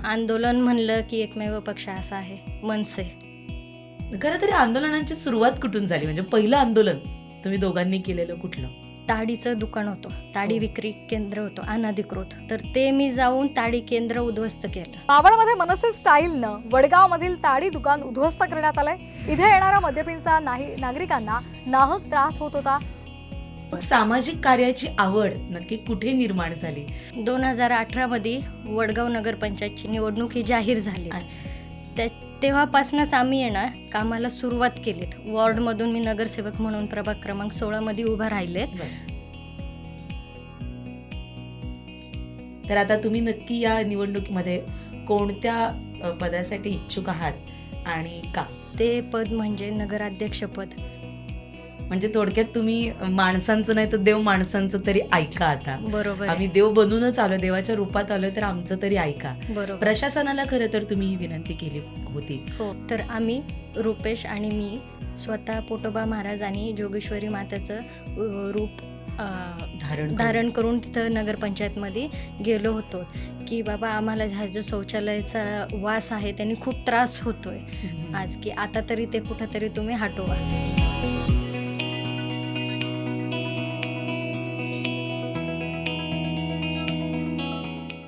आंदोलन म्हणलं की एकमेव पक्ष असा आहे, मनसे. खरं तरी आंदोलनांची सुरुवात कुठून झाली? म्हणजे पहिलं आंदोलन तुम्ही दोघांनी केलेलं कुठलं? ताडीचं दुकान होतं, ताडी हो. विक्री केंद्र होतं अनधिकृत, तर ते मी जाऊन ताडी केंद्र उद्ध्वस्त केलं. मावळमध्ये मनसे स्टाईलनं वडगावमधील ताडी दुकान उद्ध्वस्त करण्यात आलंय. इथे येणाऱ्या मद्यपींचा नागरिकांना नाहक त्रास होत होता. मग सामाजिक कार्याची आवड नक्की कुठे निर्माण झाली? 2018 मध्ये वडगाव नगरपंचायतची निवडणूक ही जाहीर झाली. अच्छा. तेव्हापासूनच आम्ही येणार कामाला सुरुवात केलीत. वॉर्डमधून मी नगरसेवक म्हणून प्रभाग क्रमांक 16 मध्ये उभा राहिलेत. तर आता तुम्ही नक्की या निवडणुकीमध्ये कोणत्या पदासाठी इच्छुक आहात आणि का? ते पद म्हणजे नगराध्यक्षपद. म्हणजे थोडक्यात तुम्ही माणसांचं नाही तर देव माणसांचं तरी ऐका. आता बरोबर आम्ही आहे. देव बनूनच आलो, देवाच्या रूपात आलोय, तर आमचं तरी ऐका. बरोबर. प्रशासनाला खरं तर तुम्ही ही विनंती केली होती. हो, तर आम्ही रुपेश आणि मी स्वतः पोटोबा महाराज आणि जोगेश्वरी मातेचं रूप धारण करून तिथं नगरपंचायतमध्ये गेलो होतो की बाबा आम्हाला हा जो शौचालयाचा वास आहे त्यांनी खूप त्रास होतोय आज, की आता तरी ते कुठंतरी तुम्ही हटवा.